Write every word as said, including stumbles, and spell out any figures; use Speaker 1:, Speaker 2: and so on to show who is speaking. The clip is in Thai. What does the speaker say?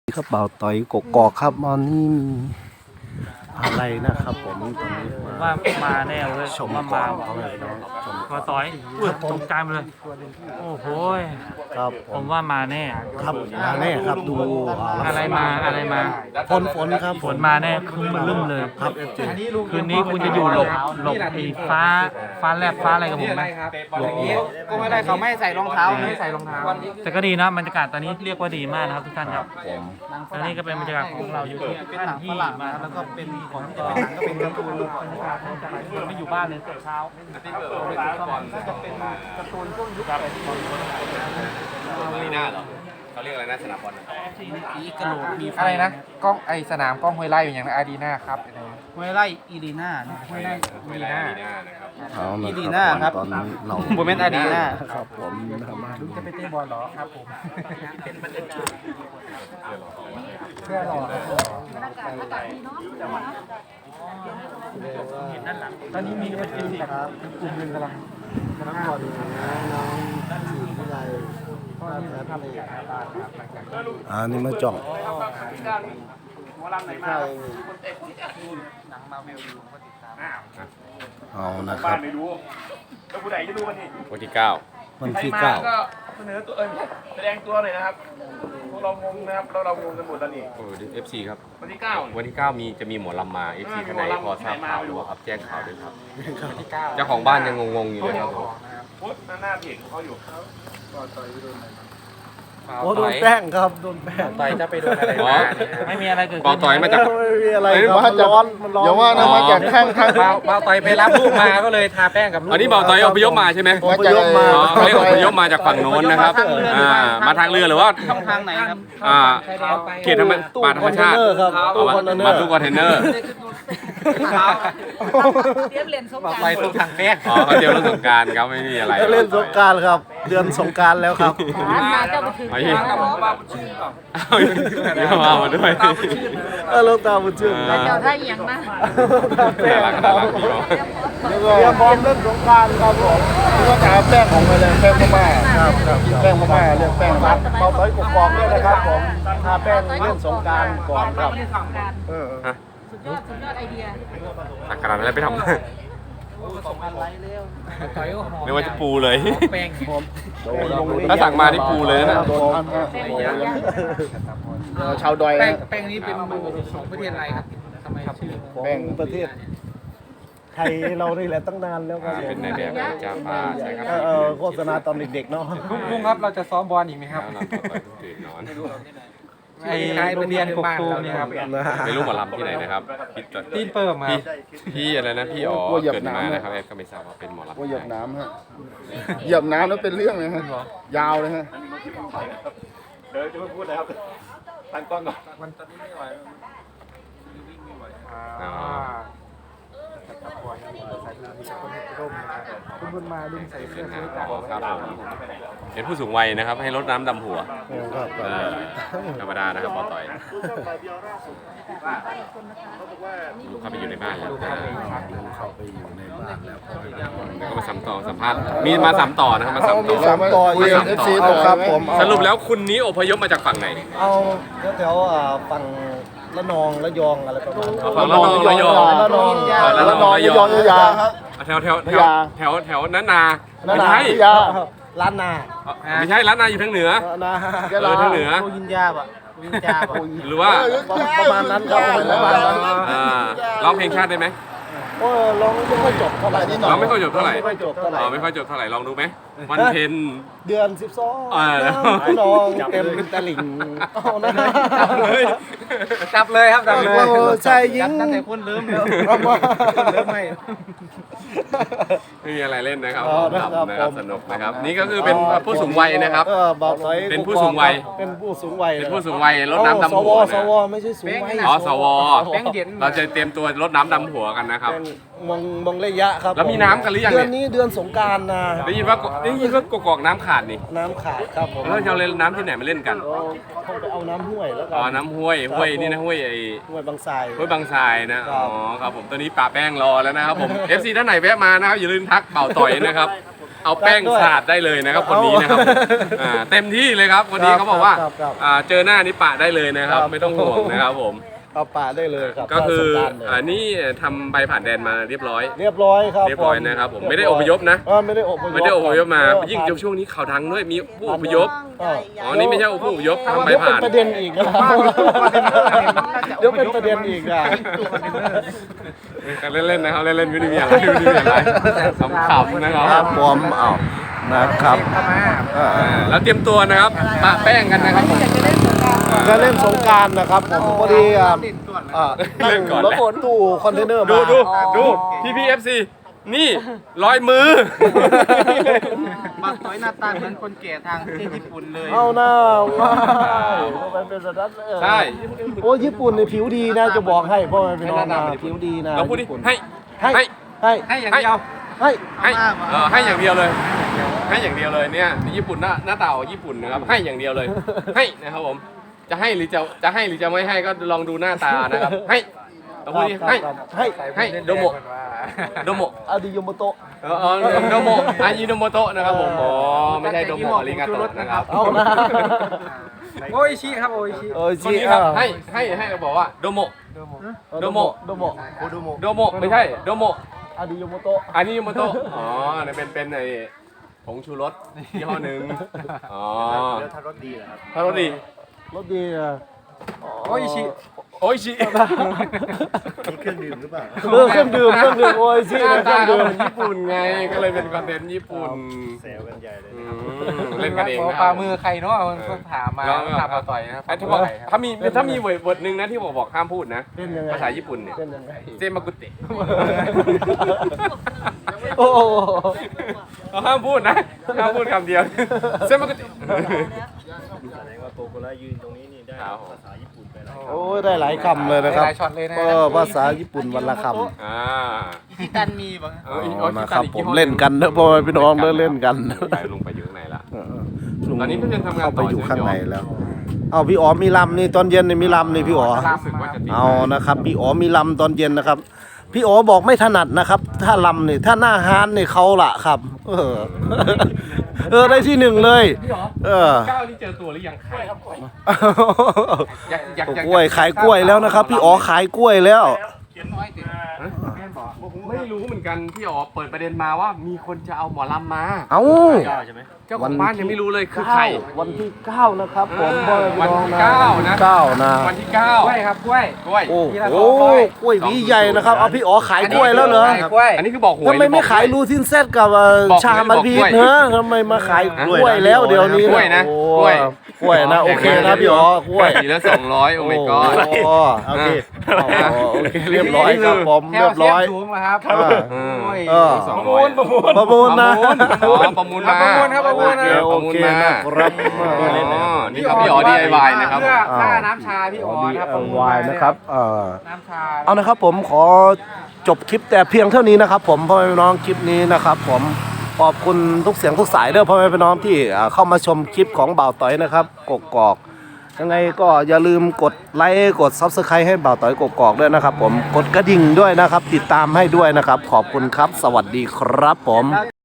Speaker 1: ครับเบาต่อยกกอกครับตอนนี้มีอะไรนะครับผมตอนนี้
Speaker 2: ว่ามาแน่เลย
Speaker 1: ช
Speaker 2: ผม
Speaker 1: ม
Speaker 2: ว่า
Speaker 1: ก่อ
Speaker 2: มาน
Speaker 1: เอาเลยน้องชม
Speaker 2: มาต่อยอุ้ยตกใจหมดเลย โอ้โห
Speaker 1: ครับผ
Speaker 2: ผม มว่ามาแน่
Speaker 1: ครับมาแน่ครับดู
Speaker 2: อะไรมาอะไรมา
Speaker 1: ฝนฝนครับ
Speaker 2: ฝนมาแน่ครึ้มมาลืมเลย
Speaker 1: ครับเอฟจี
Speaker 2: คืนนี้คุณจะอยู่หลบหลบไอ้ฟ้าฟ้าแลบฟ้าอะไรกับผมไหม
Speaker 1: หลบ
Speaker 3: ก็ไม่ได้เขาไม่ใส่รองเท้าไม่ใส่รองเท้า
Speaker 2: แต่ก็ดีนะบรรยากาศตอนนี้เรียกว่าดีมากนะครับทุกท่านครับและนี่ก็เป็นบรรยากาศของเราอยู่ที่
Speaker 3: เป็น
Speaker 2: ท่าน
Speaker 3: หนัง
Speaker 2: ที่
Speaker 3: ฝรั่ง
Speaker 2: มา
Speaker 3: นะแล้วก็เป็นของที่
Speaker 2: ก็
Speaker 3: จะเป็นหนังก็เป็นการ์ตูน
Speaker 2: บรรยากาศของจากที่ไม่อยู่บ้านเลยแต่เช้า
Speaker 3: ก็จะเป็นการ์ตูนช่วงยุค
Speaker 2: ครับ
Speaker 4: อารีนาเหรอเขาเรียกอะไรนะสนามบอล
Speaker 3: อีกระโหลกมี
Speaker 5: อะไรนะกล้องไอสนามกล้องห้วยไร่อยู่อย่างนะอารีนาครับ
Speaker 3: ห้วยไร่อีลีน่านะ
Speaker 5: ห้วยไร่อารีนา
Speaker 4: นะครับ
Speaker 1: เอานะ
Speaker 3: อีลี
Speaker 1: ค
Speaker 3: น่า
Speaker 1: รับ
Speaker 3: ครับ
Speaker 1: ตอนนี้เรา
Speaker 3: โมเมนต์อารีน่า
Speaker 1: ครับผมนะครับมาดู
Speaker 5: จะไปเตะบอลเหรอครับผมเพื่อรอ
Speaker 2: เห็นด้านหลังตอนนี้มีเป็นทีมแบบ
Speaker 5: กลุ่มหนึ่งกำลัง
Speaker 1: น้องก่อนน้องสี่ที่ไร
Speaker 5: ก็มีทำอยู่ครับบ้านครับหลังจากที่
Speaker 1: อ่านี่มาจ่อง
Speaker 3: หนังมาเวลดูก็ติดตาม
Speaker 1: เอานะครับ
Speaker 4: วันที่เก้า
Speaker 1: วันที่เก้า
Speaker 6: เสนอตัวเออแสดงตัวหน่อยนะครับ พวกเรางงนะครับ เราเรางงกันหมดแล้วนี่
Speaker 4: โอ้เอฟซีครับ
Speaker 6: วันที่เก้า
Speaker 4: วันที่เก้ามีจะมีหมอลำมาเอฟซีท่านไหนพอทราบข่าวหรือเปล่าครับแจ้งข่าวด้วยครับ
Speaker 5: ที่เก้า
Speaker 4: เจ้าของบ้านยังงงๆอยู่เลยครับ
Speaker 6: โพสต์หน้าเพจของเขาอยู่
Speaker 1: โอ้โดนแป้งครับโดนแป้ง
Speaker 5: ต่อยจะไปโดนอะไร
Speaker 4: อ๋อ
Speaker 5: มาเนี่ยครับ
Speaker 2: ไม่มีอะไรเกิด
Speaker 4: เบา
Speaker 2: ขึ้น
Speaker 4: ต่อยมาจาก
Speaker 1: ไม่มีอะไร
Speaker 4: เอ้ย
Speaker 1: ครับมันร้อนมันร้อน
Speaker 4: อย่าว่านะมาจากข้าง
Speaker 5: เบาเบาต่อยไปรับลูกมาก็เลยทาแป้งกับลูก
Speaker 4: อันนี้เบาต่อยอพยพมาใช่ไหม
Speaker 1: อพยพมา
Speaker 4: อ๋อเขาเรียกอพยพมาจากฝั่งโน้นนะครับอ่ามาทางเรือหรือว่า
Speaker 3: ช่องทางไหนครับ
Speaker 4: อ่า
Speaker 5: ชายแดนไป
Speaker 4: เขตธรรมป่าธรรมชาติ
Speaker 1: ครับ
Speaker 4: เอา
Speaker 1: ตู้
Speaker 4: มา
Speaker 1: คอนเทนเนอ
Speaker 4: มา
Speaker 1: ร์
Speaker 4: ตู้คอนเทนเนอร์
Speaker 7: เตรียมเรียนสง
Speaker 5: เบาก
Speaker 7: รา
Speaker 5: ต่อย
Speaker 7: ร
Speaker 5: ตู้ทางแป้ง
Speaker 4: อ๋อเขาเตรียมเรื่องสงกรารครับไม่มีอะไร
Speaker 1: เล่นสงกรารครับ เดือนสงกรารแล้วครับ
Speaker 7: มาเจ้าบุตร
Speaker 4: ไอ้
Speaker 7: ถือ
Speaker 4: เหี้ยเอาเดี๋ยวมามาด้วย
Speaker 1: เออลงตาบุญชื่น
Speaker 4: อ่า
Speaker 7: เจ้าท่าเอียงมา
Speaker 4: น่ารักน่ารักพี่น้อง
Speaker 1: แล้วก็เตรียมพร้อมเล่นสงกรารครับผมก็จะเอาแป้งของไปเลยแป้งพม่าครับครับแป้งพม่าเรียกแป้งรัดเบาต้อยกกอกด้วยนะครับผมทาแป้งเล่นสงกรารก่อนครับ
Speaker 7: สงการ
Speaker 1: เออ
Speaker 7: สุดยอดสุดยอดไอเดีย
Speaker 4: ตักกระดาษอะไรไปทำ
Speaker 5: ต่อยก็หอม
Speaker 4: ไม่ว่าจะปูเลย
Speaker 5: แป้ง
Speaker 4: ถ้าสั่งมานี่ปูเลยนะ
Speaker 1: ชาวดอย
Speaker 5: แป้งแป้งนี้เป็นของประเทศอะไรครับทำไมชื่อ
Speaker 1: แป้งประเทศไทยเรานี่แหละตั้งนานแล้วครับ
Speaker 4: เป็นในแบบจาปาใช่ครับ
Speaker 1: เออโฆษณาตอนเด็กๆเนาะ
Speaker 5: ลุงลุงครับเราจะซ้อมบอลอีกไหมครับ
Speaker 4: แล้วเราก็ตื่นนอน
Speaker 5: ไอ้โรงเรียนกกตูมนี่ครับ
Speaker 4: ไม่รู้หมอลำที่ไหนนะครับพี่ต
Speaker 5: ตีนเปิ่มครับ
Speaker 4: พี่อะไรนะพี่อ๋อเกิดมานะครับแอดก็ไม่ทราบว่าเป็นหมอลำ
Speaker 8: ว่าเหยียบน้ำฮะเหยียบน้ำแล้วเป็นเรื่องเลยฮะยาวเลยฮะ
Speaker 6: เดี๋ยวจะไม่พูดเลยครับตั้งกล้องก่อน
Speaker 4: อ๋อ
Speaker 5: คุณบุญมาลุงใส่เสื้
Speaker 4: เป็
Speaker 5: อน ซื้อ
Speaker 4: หา
Speaker 5: จาก
Speaker 4: ครับผมเป็นผู้สูงวัยนะครับ ให้รดน้ำดำหัว
Speaker 1: ครับ
Speaker 4: เออธรรมดานะครับปอต่อยลูกเข้าไปอยู่ในบ้านแล้วนะ
Speaker 1: เข้าไปอยู่ในบ้านแล้ว
Speaker 4: แล้วก็มาสัมต่อสัมภาษณ์มีมาสัมต่อนะครับมาสัมต่อ
Speaker 1: สามต่อเอ
Speaker 4: มา
Speaker 1: เอ
Speaker 4: สัม
Speaker 1: ฟซี
Speaker 4: ต่อ
Speaker 1: ครับผมเอา
Speaker 4: สรุปแล้วคุณนี้อพยพมาจากฝั่งไหน
Speaker 1: เอาแถวๆอ่าฝั่งละนองละยองอะไรประมาณนั้น
Speaker 4: ฝั่งละนองระยอง
Speaker 1: ละนอง
Speaker 4: อ๋อละนองระยอง
Speaker 1: ระยองครับ
Speaker 4: แถวแถวแถวแถวแถวนั้นนา
Speaker 1: นั่น
Speaker 4: ไม่
Speaker 1: นะ
Speaker 4: ใช่
Speaker 1: ยาล้านนา
Speaker 4: ไม่ใช่ร้านนาอยู่ทางเหนือ
Speaker 1: นา
Speaker 4: เออทางเหนือ
Speaker 3: โคยินยาบะโคยินยาบะ
Speaker 4: หรือว่า
Speaker 1: ประมาณนั้นครับประมาณนั้น
Speaker 4: อ่าร้องเพลงชาติได้ไหม
Speaker 1: โอ้ร้องไม่ค่อยจบเท่าไหร่นิดหน่อย
Speaker 4: ร้องไม่ค่อยจบเท่าไหร่
Speaker 1: ไม่ค่อยจบเท่าไหร่
Speaker 4: อ๋อไม่ค่อยจบเท่าไหร่ลองดูไหมวันเพ็ญ
Speaker 1: เดือนสิบสอง
Speaker 4: อ่า
Speaker 1: พี่น้องเต็มตลิ่งเอานะ
Speaker 4: จับเลย
Speaker 5: จับเลยครับจับเลย
Speaker 1: โอ้ชายหญิง
Speaker 3: ตั้งแต่คนเริ่มแล้ว
Speaker 1: เอามา
Speaker 3: เริ่มไม่
Speaker 4: ไม่มีอะไรเล่นนะครับ
Speaker 1: อ๋อนะครับ
Speaker 4: นะครับ
Speaker 1: ผม
Speaker 4: สนุกนะครับ นี่ก็คือเป็นผู้สูงวัยนะครับ
Speaker 1: เออบอกต่อย
Speaker 4: เป็นผู้สูงวัย
Speaker 1: เป็นผู้สูงวัย
Speaker 4: เป็นผู้สูงวัยรดน้ำดำ
Speaker 1: ส
Speaker 4: หั
Speaker 1: ว
Speaker 4: ว
Speaker 1: ส
Speaker 4: นะ
Speaker 1: วไม่ใช่สูงวัย
Speaker 4: อ๋อสว
Speaker 5: แป้งเย็น
Speaker 4: เราจะเตรียมตัวรดน้ำดำหัวกันนะครับ
Speaker 1: เป็นมองมองระยะครับ
Speaker 4: แล้วมีน้ำกันหรือยัง
Speaker 1: เดื
Speaker 4: เนี่
Speaker 1: อน
Speaker 4: ย
Speaker 1: นี้เดือนสงกรารนะ
Speaker 4: ได้ยินว่าได้ยินว่ากกอกน้ำขาดนี่
Speaker 1: น้ำขาดครับผม
Speaker 4: แล้วจะเอาเล่นน้ำที่ไหนมาเล่นกัน
Speaker 1: เราเข้าไปเอาน้ำห้วยแล้วกั
Speaker 4: อ๋อน้ำห้วยห้วยนี่นะห้วยไอ้
Speaker 1: ห้วยบางทราย
Speaker 4: ห้วยบางทรายนะ
Speaker 1: ครั
Speaker 4: อ๋อบ ครับผมตอนนี้ป่าแป้งรอแล้วนะครับผม เอฟ ซี ท่านไหนแวะมานะครับอย่าลืมทักเป่าต่อยนะครับเอาแป้งสาดได้เลยนะครับคนนี้นะครับอ่าเต็มที่เลยครับคนนี้เขาบอกว่าอ่าเจอหน้านี้ปะได้เลยนะครับไม่ต้องห่วงนะครับผม
Speaker 1: เอาป่าได้เลยครับ
Speaker 4: ก็คือ
Speaker 1: สงกรานต์เลย
Speaker 4: อันนี้ทำใบผ่านแดนมาเรียบร้อย
Speaker 1: เรียบร้อยครับ
Speaker 4: เรียบร้อยนะครับผมไม่ได้อพยพนะ
Speaker 1: เออไม่ได้อพยพ
Speaker 4: ไม่ได้อพยพมา
Speaker 1: เออ
Speaker 4: ยิ่งช่วงนี้ข่าวดังด้วยมีผู้อพยพ
Speaker 1: เออ
Speaker 4: อ๋อนี่ไม่ใช่ผู้อพยพทำใบ
Speaker 1: เดี๋ยวเป็
Speaker 4: ผ่าน น
Speaker 1: ประเด็นอีกนะครับเดี๋ยวเป็นประเด็นอีกอ่ะ
Speaker 4: กันเล่นๆนะครับเล่นๆไม่ได้มีอะไรไม่ได้มีอะไรขำๆนะครับ
Speaker 1: ครับผมเอานะครับ
Speaker 4: อ่าแล้วเตรียมตัวนะครับปะแป้งกันนะครับผม
Speaker 1: จะเล่นสงกรารนะครับผมพอดีอ่ะอ่านั่งรถบรรทุกคอนเทนเนอร์มา
Speaker 4: ดูดูดูพี่พีเอฟซีนี่รอยมือ
Speaker 3: บางต้อยหน้าตาเหมือนคนแก่ทางประเทศญี่ปุ่นเลย
Speaker 1: เอาหน้าว้ายมันเป็นสัตว์เออ
Speaker 4: ใช่
Speaker 1: โอ้ญี่ปุ่นในผิวดีนะจะบอกให้พ่อแม่พี่น้องนะผิวดีนะ
Speaker 4: เราพูดดิ
Speaker 1: ญี่ปุ่น
Speaker 4: ให้
Speaker 1: ให้
Speaker 4: ให้
Speaker 1: ให้
Speaker 3: ให้อย่างเดียว
Speaker 1: ให้
Speaker 4: ให้เออให้อย่างเดียวเลย ให้อย่างเดียวเลยเนี่ยญี่ปุ่นหน้าหน้าตาของญี่ปุ่นนะครับให้อย่างเดียวเลย ให้นะครับผมจะให้หรือจะจะให้หรือจะไม่ให้ก็ลองดูหน้าตานะครับให้เราพูดดิให้
Speaker 1: ให้
Speaker 4: ให้โดโมโดโม
Speaker 1: อาดิโยโมโตะ
Speaker 4: เออเออโดโมอายิโนโมโตะนะครับผมอ๋อไม่ใช่โดโมอาริงาโตะนะครับ
Speaker 1: เอานะ
Speaker 3: โออิชิครับโออิชิ
Speaker 1: เออ
Speaker 4: คน
Speaker 1: จี
Speaker 4: นี้ครับให้ให้ให้บอกว่าโดโม โดโม
Speaker 1: โดโม
Speaker 4: โดโมไม่ใช่โดโม
Speaker 1: อาดิโยโมโตะ
Speaker 4: อันนี้โมโตะอ๋อเนี่ยเป็นเป็นไอ้ผงชูรสยี่ห้อหนึ่งอ๋อถ้ารสดีถ้ารสดี
Speaker 1: รสดีอ่ะ
Speaker 3: โออิชิ
Speaker 4: โอ้ยชิ
Speaker 1: เครื่องดื่มหรือเปล่าเออเครื่องดื่มเครื่องดื่มโอ้ย
Speaker 4: ห
Speaker 1: จี
Speaker 4: น้า
Speaker 1: เค
Speaker 4: ตา
Speaker 1: รื่อง
Speaker 4: ก็
Speaker 1: ดื่ม
Speaker 4: เหมือนญี่ปุ่นไงก็เลยเป็นคอนเทนต์ญี่ปุ่นแซวกันใหญ่เลยเล่นกันเองนะ
Speaker 3: ปลามือใครเนาะมันก็ถามมาถามมาต่อยนะครับ
Speaker 4: ไอ้ที่บอกถ้ามีถ้ามีเวิร์ดหนึ่งนะที่บอกบอกห้ามพูดนะ
Speaker 1: เป็นยังไง
Speaker 4: ภาษาญี่ปุ่นเนี่ย
Speaker 1: เป็นยังไง
Speaker 4: เจมากุเตะ
Speaker 1: โอ้โห
Speaker 4: เขาห้ามพูดนะห้ามพูดคำเดียวเจมากุเตะ ครับผม
Speaker 1: โอ้ยได้หลายคำเลยนะครับ
Speaker 3: หลายช็อตเลยนะ
Speaker 1: เออภาษาญี่ปุ่นวันละคำ
Speaker 4: อ่า
Speaker 3: อิชิตันมีบ้าง
Speaker 4: เอออีก
Speaker 1: อ๋อ
Speaker 4: อีก
Speaker 1: นะครับ
Speaker 4: อีก
Speaker 1: ผม
Speaker 4: ยี่ห้อ
Speaker 1: เล่นกันนะพ่อแม่พี่น้องเล่นเล่นกัน
Speaker 4: ไปลงไปอยู่ข้างในละ
Speaker 1: เออลุง
Speaker 4: ตอนนี้เพิ่งจะทำงาน
Speaker 1: เข้าไป
Speaker 4: ต่อ
Speaker 1: อยู่ข้าง
Speaker 4: ใช่ไหม
Speaker 1: ในแล้ว เอาพี่อ๋อมีลำนี่ตอนเย็นนี่มีลำนี่พี่อ๋อ
Speaker 4: รู้สึกว่าจะติด
Speaker 1: เอานะครับพี่อ๋อมีลำตอนเย็นนะครับ พี่อ๋อบอกไม่ถนัดนะครับ ถ้าลำนี่ถ้าหน้าฮานนี่เขาละครับ เออ เออได้ที่หนึ่งเลย เออ
Speaker 4: ก้าวนี่เจอตัวหรือยังใครอยากอยากอยาก
Speaker 1: กล้วยขายกล้วยแล้วนะครับ พี่อ๋อขายกล้วยแล้ว
Speaker 4: ไม่รู้เหมือนกันพี่อ๋อเปิดประเด็นมาว่ามีคนจะเอาหมอลำมา
Speaker 1: เอ้า
Speaker 4: เจ้าของบ้านยังไม่รู้เลยคือใคร
Speaker 1: วันที่เก้านะครับผม
Speaker 4: เออ
Speaker 1: พ่อแม่พี่อง
Speaker 4: วันที่เก้านะ
Speaker 1: เก้านะ
Speaker 4: วันที่เก้าก
Speaker 3: ล้วยครับกล้วย
Speaker 4: กล้วย
Speaker 1: โอ้โหกล้วยหวีใหญ่นะครับเอาพี่อ๋อขายกล้วยแล้วเหรอ
Speaker 3: กล้วย
Speaker 4: อันนี้คือบอกหวย
Speaker 1: ทำไมไม่ขาย
Speaker 4: หรือ
Speaker 1: ลูทินเซตกับเอ่อ
Speaker 4: บอก
Speaker 1: ชามันพีช
Speaker 4: บอกกล้วย
Speaker 1: เนอะทำไมมาขายกล้วยแล้วเดี๋ยวนี้
Speaker 4: กล้วยนะ
Speaker 1: โอ้
Speaker 4: กล้วย
Speaker 1: กล้วยนะโอเคนะพี่อ๋อกล้วย
Speaker 4: สีละสองร้อยโอ้ my god
Speaker 1: โอ้โอเคโอเคเรียบร้อยครับผมเรียบร้อย
Speaker 3: สูงนะครับ
Speaker 1: อ่า
Speaker 4: อืม
Speaker 1: เออ
Speaker 4: สองร้อย
Speaker 1: ประมูลประมูลนะ
Speaker 4: อ๋อประมูลมา
Speaker 3: ประมูลครับประมูลนะ
Speaker 4: โอเค
Speaker 1: โอเคนะครับ
Speaker 4: อ๋อนี่ครับพี่อ๋อ ดี ไอ วาย นะครับ
Speaker 3: เพื่อค่าน้ำชาพี่อ๋อ
Speaker 1: ดี
Speaker 3: นะครับ
Speaker 1: เอวายนะครับเออ
Speaker 3: น้ำชา
Speaker 1: เอานะครับผมขอจบคลิปแต่เพียงเท่านี้นะครับผมพ่อแม่พี่น้องคลิปนี้นะครับผมขอบคุณทุกเสียงทุกสายเด้อพ่อแม่พี่น้องที่อ่าเข้ามาชมคลิปของบ่าวต้อยนะครับกกอกยังไงก็อย่าลืมกดไลค์กด ซับสไครบ์ ให้บ่าวต้อยกกอกด้วยนะครับผมกดกระดิ่งด้วยนะครับติดตามให้ด้วยนะครับขอบคุณครับสวัสดีครับผม